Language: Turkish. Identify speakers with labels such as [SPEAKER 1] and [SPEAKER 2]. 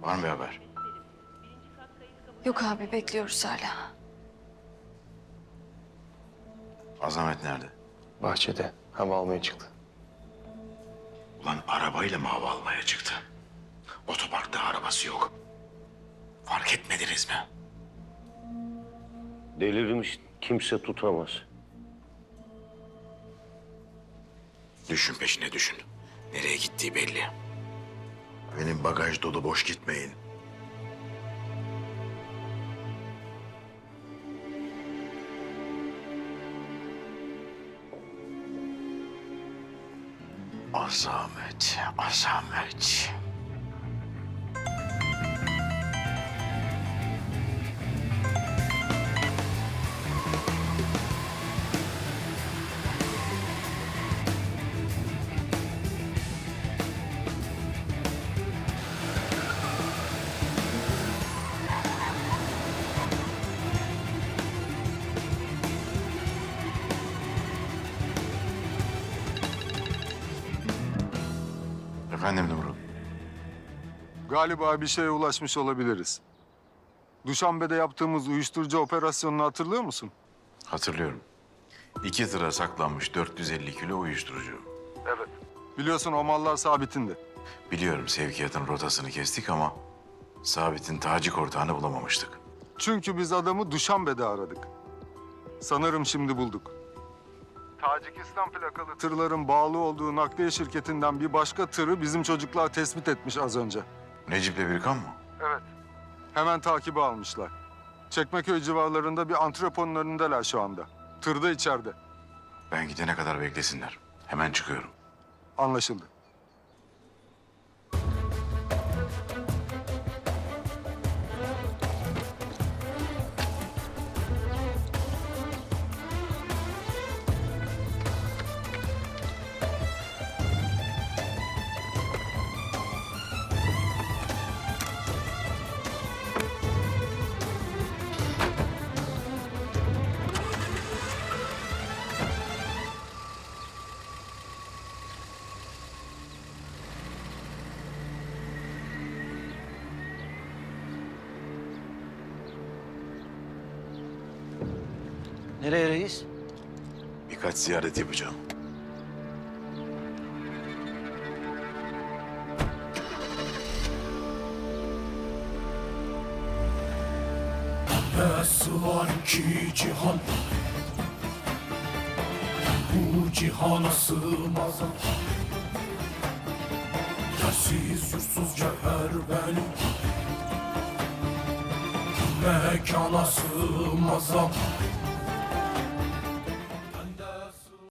[SPEAKER 1] Var mı bir haber?
[SPEAKER 2] Yok abi, bekliyoruz hala.
[SPEAKER 1] Azamet nerede?
[SPEAKER 3] Bahçede hava almaya çıktı.
[SPEAKER 1] Ulan arabayla mı hava almaya çıktı? Otoparkta arabası yok. Fark etmediniz mi?
[SPEAKER 4] Delirmiş, kimse tutamaz.
[SPEAKER 1] Düşün peşine düşün. Nereye gittiği belli. Benim bagaj dolu, boş gitmeyin. Azamet, azamet. Efendim Numru?
[SPEAKER 5] Galiba bir şeye ulaşmış olabiliriz. Duşanbe'de yaptığımız uyuşturucu operasyonunu hatırlıyor musun?
[SPEAKER 1] Hatırlıyorum. 2 tıra saklanmış 450 kilo uyuşturucu.
[SPEAKER 5] Evet. Biliyorsun o mallar Sabit'indi.
[SPEAKER 1] Biliyorum sevkiyatın rotasını kestik ama Sabit'in tacik ortağını bulamamıştık.
[SPEAKER 5] Çünkü biz adamı Duşanbe'de aradık. Sanırım şimdi bulduk. Tacikistan plakalı tırların bağlı olduğu nakliye şirketinden bir başka tırı bizim çocuklar tespit etmiş az önce.
[SPEAKER 1] Necip'le Birkan mı?
[SPEAKER 5] Evet. Hemen takibi almışlar. Çekmeköy civarlarında bir antreponun önündeler şu anda. Tır da içeride.
[SPEAKER 1] Ben gidene kadar beklesinler. Hemen çıkıyorum.
[SPEAKER 5] Anlaşıldı.
[SPEAKER 4] Nereye reis?
[SPEAKER 1] Birkaç ziyaret yapacağım.
[SPEAKER 6] Nasıl var ki cihan, bu cihana sığmaz. Yersiz yursuz cevher benim, mekana sığmaz.